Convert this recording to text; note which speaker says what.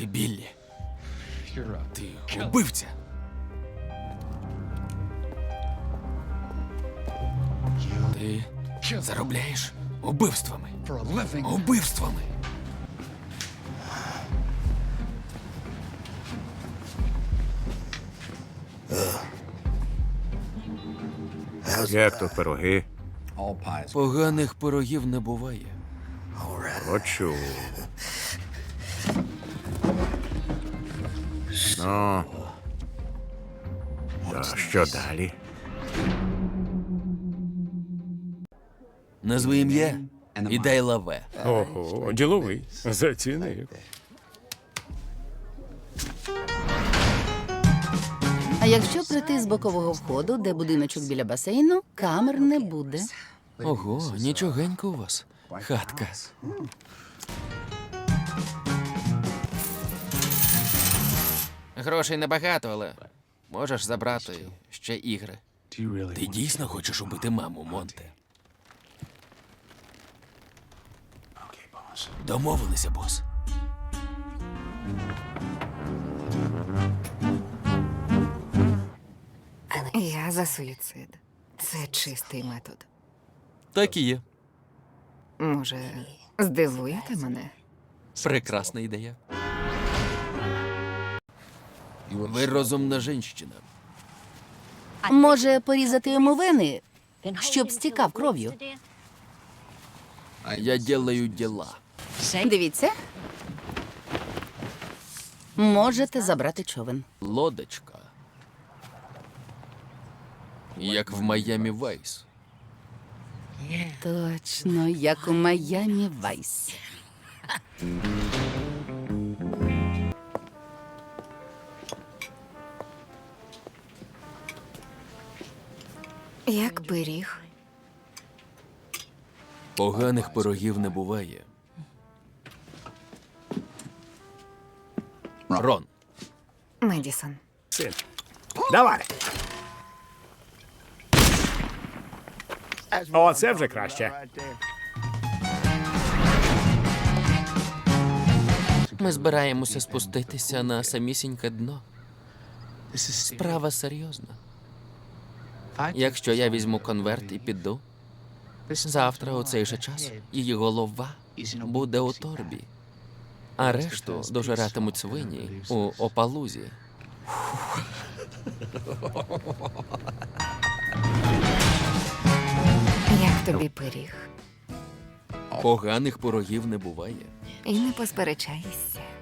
Speaker 1: Ти Біллі. Ти убивця. Ти заробляєш убивствами. Убивствами.
Speaker 2: Як тут пироги?
Speaker 1: Поганих пирогів не буває.
Speaker 2: Почув. Ну. То що далі?
Speaker 1: Назви ім'я і дай лаве.
Speaker 3: Ого, діловий. Зацінив.
Speaker 4: А якщо прийти з бокового входу, де будиночок біля басейну, камер не буде.
Speaker 1: Ого, нічогенько у вас. Хатка. Грошей небагато, але можеш забрати ще ігри. Ти дійсно хочеш убити маму, Монте? Домовилися, бос.
Speaker 5: Я за суїцид. Це чистий метод.
Speaker 1: Так і є.
Speaker 5: Може, здивуєте мене?
Speaker 1: Прекрасна ідея. Ви розумна жінщина.
Speaker 4: Може, порізати йому вени, щоб стікав кров'ю.
Speaker 1: Я делаю діла.
Speaker 4: Дивіться. Можете забрати човен.
Speaker 1: Лодочка. Як в Майамі Вайс.
Speaker 4: Точно, як у Майамі Вайс.
Speaker 5: Як пиріг.
Speaker 1: Поганих пирогів не буває. Рон.
Speaker 5: Медісон.
Speaker 2: Син. Давай. О, це вже краще.
Speaker 1: Ми збираємося спуститися на самісіньке дно. Справа серйозна. Якщо я візьму конверт і піду, завтра у цей же час її голова буде у торбі, а решту дожиратимуть свині у Опалузі.
Speaker 5: Як тобі пиріг?
Speaker 1: Поганих пирогів не буває.
Speaker 5: І не посперечайся.